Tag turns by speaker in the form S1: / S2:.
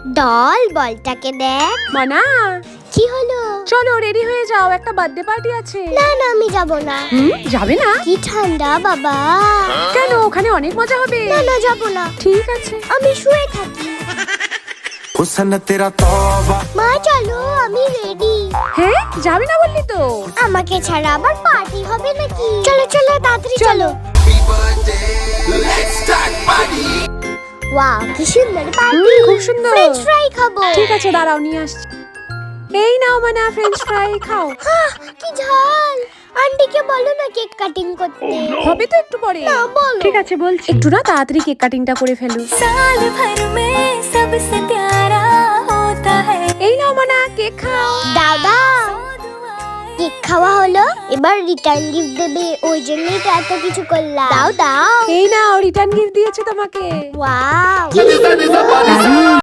S1: Doll বলটাকে দেখ।
S2: মানা,
S1: কি হলো?
S2: চলো রেডি হয়ে যাও, একটা বার্থডে পার্টি আছে।
S1: না না, আমি যাব না।
S2: যাবে না?
S1: কি ঠান্ডা বাবা।
S2: কেন, ওখানে অনেক মজা হবে।
S1: না না, যাব না।
S2: ঠিক আছে,
S1: আমি শুয়ে থাকি। মা চলো, আমি রেডি।
S2: হ্যাঁ যাবে না বললি তো।
S1: আমাকে ছাড়া আবার পার্টি হবে নাকি? চলো চলো, তাড়াতাড়ি চলো। ওয়াও, কি সুন্দর পার্টি।
S2: খুব সুন্দর।
S1: ফ্রেঞ্চ ফ্রাই খাবো।
S2: ঠিক আছে, দাঁড়াও নিয়ে আসছি। এই নাও মানা, ফ্রেঞ্চ ফ্রাই খাও।
S1: কি ঝাল। আন্টিকে বলো না কেক কাটিং করতে।
S2: হবে তো একটু পরে।
S1: না, বলো।
S2: ঠিক আছে বলছি, একটু না তাড়াতাড়ি কেক কাটিংটা করে ফেলো।
S3: साल भर में सबसे प्यारा होता है।
S2: এই নাও মানা, কেক খাও।
S1: দাও দাও। কেক খাওয়া হলো, এবার রিটার্ন গিফট দেবে, ওই জন্যই তো এত কিছু করলাম। দাও দাও।
S2: এই নাও, রিটার্ন গিফট দিয়েছে তোমাকে।
S1: ওয়াও।